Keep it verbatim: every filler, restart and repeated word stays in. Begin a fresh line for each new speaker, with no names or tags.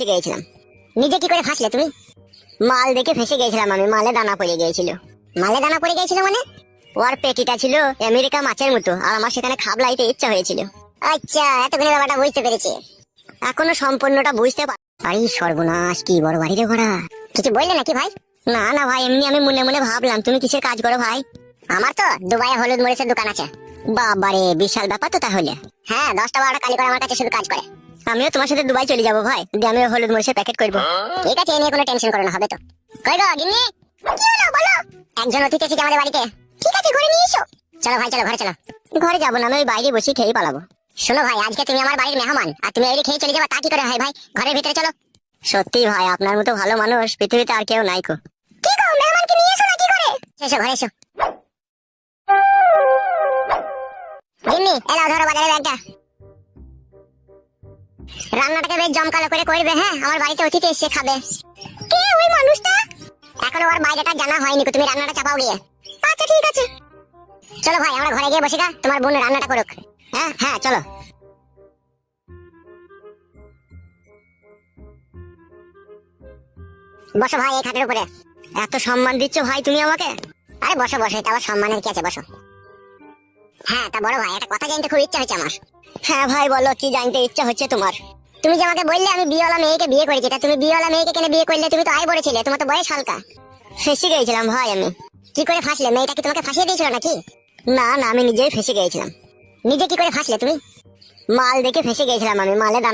গিয়েছিলাম। নিজে কি করে ফাঁসলে তুমি? মাল দেখে ফেসে গিয়েছিলাম আমি, মালে দানা পড়ে গিয়েছিল। মালে দানা পড়ে গিয়েছিল মানে? ওর পেটিটা ছিল আমেরিকা মাছের মতো, আর আমার সেখানে খাবলাইতে ইচ্ছা হয়েছিল। আচ্ছা, এতক্ষণে ব্যাপারটা বুঝতে পেরেছি। এখনো সম্পূর্ণটা বুঝতে পার। আরে সর্বনাশ, কি বড় বাড়ি রে ঘোড়া। কিছু বললে নাকি ভাই? না না ভাই, এমনি আমি মনে মনে ভাবলাম তুমি কিসের কাজ করো ভাই। আমার তো দুবাইয়ে হলুদ মরিচের দোকান আছে। বাবারে, বিশাল ব্যাপার তো তাহলে। হ্যাঁ, দশটা বারোটা কালি করে আমার কাছে শুধু কাজ করে। আমিও তোমার সাথে দুবাই চলে যাবো ভাই, দিয়ে আমিও হলুদ মরিচের প্যাকেট করবো। ঠিক আছে, এ নিয়ে কোনো টেনশন করো না, হবে তো। কই গো গিন্নি? কি হলো বলো? একজন অতিথি এসেছে আমাদের বাড়িতে। ঠিক আছে, ঘরে নিয়ে এসো। চলো ভাই, চলো ঘরে চলো। ঘরে যাবো না, আমি ওই বাইরে বসে খেয়ে পালাবো। শোনো ভাই, আজকে তুমি আমার বাড়ির মেহমান, আর তুমি এই খেয়ে চলে যাবা, তা কি করে হয় ভাই? ঘরের ভিতরে চলো। সত্যি ভাই, আপনার মতো ভালো মানুষ পৃথিবীতে আর কেউ নাই কো। কি গো, মেহমানকে নিয়ে এসো না কি করে? এসো ঘরে এসো। গিন্নি, এলাও ধরো বাজারে ব্যাগটা। রান্নাটাকে বেশ জমকালো করে করবে, হ্যাঁ? আমার বাড়িতে অতিথি এসে খাবে। কে ওই মানুষটা? এখনো ওর বাইরেটা জানা হয়নি, তুমি রান্নাটা চাপাও গিয়ে। আচ্ছা ঠিক আছে। চলো ভাই, আমরা ঘরে গিয়ে বসে গা, তোমার বোন রান্নাটা করুক। হ্যাঁ হ্যাঁ, চলো। বসো ভাই এই খাটের উপরে। এত সম্মান দিচ্ছ ভাই তুমি আমাকে? আরে বসো বসো, এটা আবার সম্মানের কি আছে, বসো। হ্যাঁ, তা বড় ভাই, একটা কথা জানতে খুব ইচ্ছা হচ্ছে আমার। হ্যাঁ ভাই বলো, কি জানতে ইচ্ছা হচ্ছে তোমার? তুমি যে আমাকে বললে আমি বিয়েওয়ালা মেয়েকে বিয়ে করেছি, তা তুমি বিয়েওয়ালা মেয়েকে কেন বিয়ে করলে? তুমি তো আয় বড় ছিলে, তোমার তো বয়স হালকা। ফেসে গিয়েছিলাম ভাই আমি। কি করে ফাঁসলে? মেয়েটা কি তোমাকে ফাঁসিয়ে দিয়েছিল নাকি? না না, আমি নিজেই ফেসে গিয়েছিলাম। নিজে কি করে ফাঁসলে তুমি? মাল দেখে ফেসে গিয়েছিলাম আমি, মালে দানা